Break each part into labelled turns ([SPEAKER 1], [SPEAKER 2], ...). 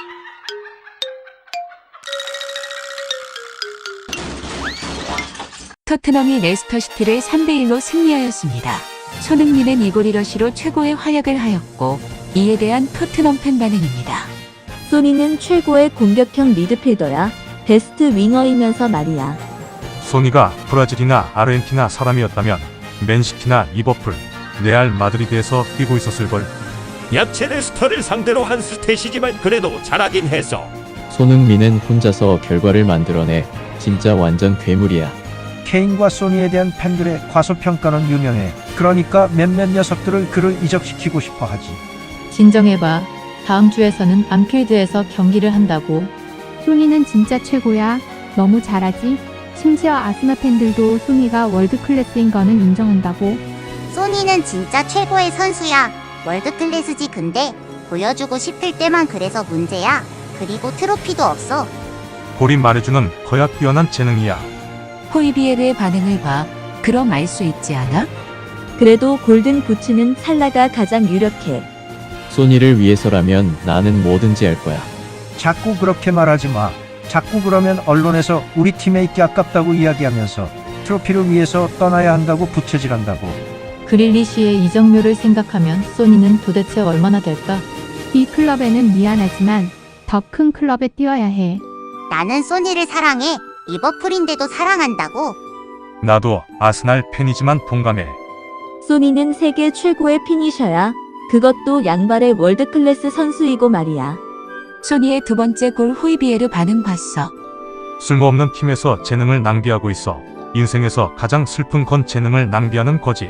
[SPEAKER 1] 토트넘이 레스터시티를 3대1로 승리하였습니다. 손흥민은 이골이러시로 최고의 활약을 하였고 이에 대한 토트넘 팬 반응입니다.
[SPEAKER 2] 소니는 최고의 공격형 미드필더야. 베스트 윙어이면서 말이야.
[SPEAKER 3] 소니가 브라질이나 아르헨티나 사람이었다면 맨시티나 리버풀, 레알 마드리드에서 뛰고 있었을걸.
[SPEAKER 4] 약체 레스터를 상대로 한 스탯이지만 그래도 잘하긴 했어.
[SPEAKER 5] 손흥민은 혼자서 결과를 만들어내. 진짜 완전 괴물이야.
[SPEAKER 6] 케인과 소니에 대한 팬들의 과소평가는 유명해. 그러니까 몇몇 녀석들을 그를 이적시키고 싶어 하지.
[SPEAKER 7] 진정해봐. 다음 주에서는 안필드에서 경기를 한다고.
[SPEAKER 8] 소니는 진짜 최고야. 너무 잘하지? 심지어 아스날 팬들도 소니가 월드클래스인 거는 인정한다고.
[SPEAKER 9] 소니는 진짜 최고의 선수야. 월드클래스지. 근데 보여주고 싶을 때만 그래서 문제야. 그리고 트로피도 없어.
[SPEAKER 3] 볼이 말해주는 거야 뛰어난 재능이야.
[SPEAKER 1] 호이비에르의 반응을 봐. 그럼 알 수 있지 않아?
[SPEAKER 2] 그래도 골든 부츠는 살라가 가장 유력해.
[SPEAKER 5] 소니를 위해서라면 나는 뭐든지 할 거야.
[SPEAKER 6] 자꾸 그렇게 말하지 마. 자꾸 그러면 언론에서 우리 팀에 있기 아깝다고 이야기하면서 트로피를 위해서 떠나야 한다고 부채질한다고.
[SPEAKER 7] 그릴리시의 이적료를 생각하면 소니는 도대체 얼마나 될까?
[SPEAKER 8] 이 클럽에는 미안하지만 더 큰 클럽에 뛰어야 해.
[SPEAKER 9] 나는 소니를 사랑해. 리버풀인데도 사랑한다고.
[SPEAKER 3] 나도 아스날 팬이지만 동감해.
[SPEAKER 2] 소니는 세계 최고의 피니셔야. 그것도 양발의 월드클래스 선수이고 말이야.
[SPEAKER 1] 소니의 두 번째 골 호이비에르 반응 봤어.
[SPEAKER 3] 쓸모없는 팀에서 재능을 낭비하고 있어. 인생에서 가장 슬픈 건 재능을 낭비하는 거지.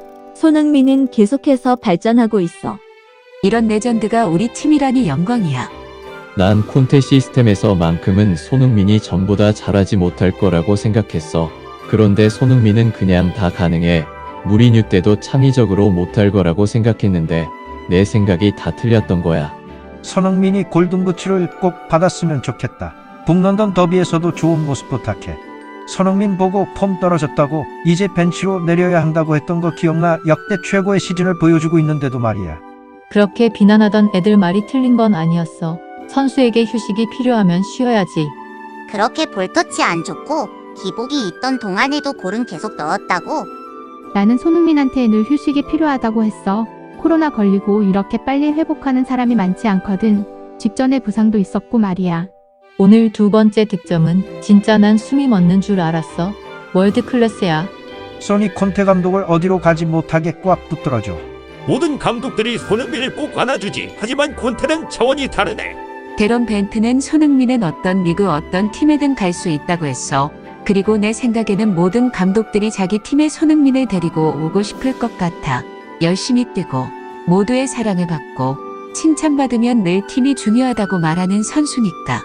[SPEAKER 2] 손흥민은 계속해서 발전하고 있어.
[SPEAKER 1] 이런 레전드가 우리 팀이라니 영광이야.
[SPEAKER 5] 난 콘테 시스템에서만큼은 손흥민이 전보다 잘하지 못할 거라고 생각했어. 그런데 손흥민은 그냥 다 가능해. 무리뉴 때도 창의적으로 못할 거라고 생각했는데 내 생각이 다 틀렸던 거야.
[SPEAKER 6] 손흥민이 골든부츠를 꼭 받았으면 좋겠다. 북런던 더비에서도 좋은 모습 부탁해. 손흥민 보고 폼 떨어졌다고 이제 벤치로 내려야 한다고 했던 거 기억나? 역대 최고의 시즌을 보여주고 있는데도 말이야.
[SPEAKER 7] 그렇게 비난하던 애들 말이 틀린 건 아니었어. 선수에게 휴식이 필요하면 쉬어야지.
[SPEAKER 9] 그렇게 볼터치 안 좋고 기복이 있던 동안에도 골은 계속 넣었다고.
[SPEAKER 8] 나는 손흥민한테 늘 휴식이 필요하다고 했어. 코로나 걸리고 이렇게 빨리 회복하는 사람이 많지 않거든. 직전에 부상도 있었고 말이야.
[SPEAKER 7] 오늘 두 번째 득점은 진짜 난 숨이 멎는 줄 알았어. 월드클래스야.
[SPEAKER 6] 소니 콘테 감독을 어디로 가지 못하게 꽉 붙들어줘.
[SPEAKER 4] 모든 감독들이 손흥민을 꼭 안아주지. 하지만 콘테는 차원이 다르네.
[SPEAKER 1] 데런 벤트는 손흥민은 어떤 리그 어떤 팀에든 갈 수 있다고 했어. 그리고 내 생각에는 모든 감독들이 자기 팀에 손흥민을 데리고 오고 싶을 것 같아. 열심히 뛰고 모두의 사랑을 받고 칭찬받으면 늘 팀이 중요하다고 말하는 선수니까.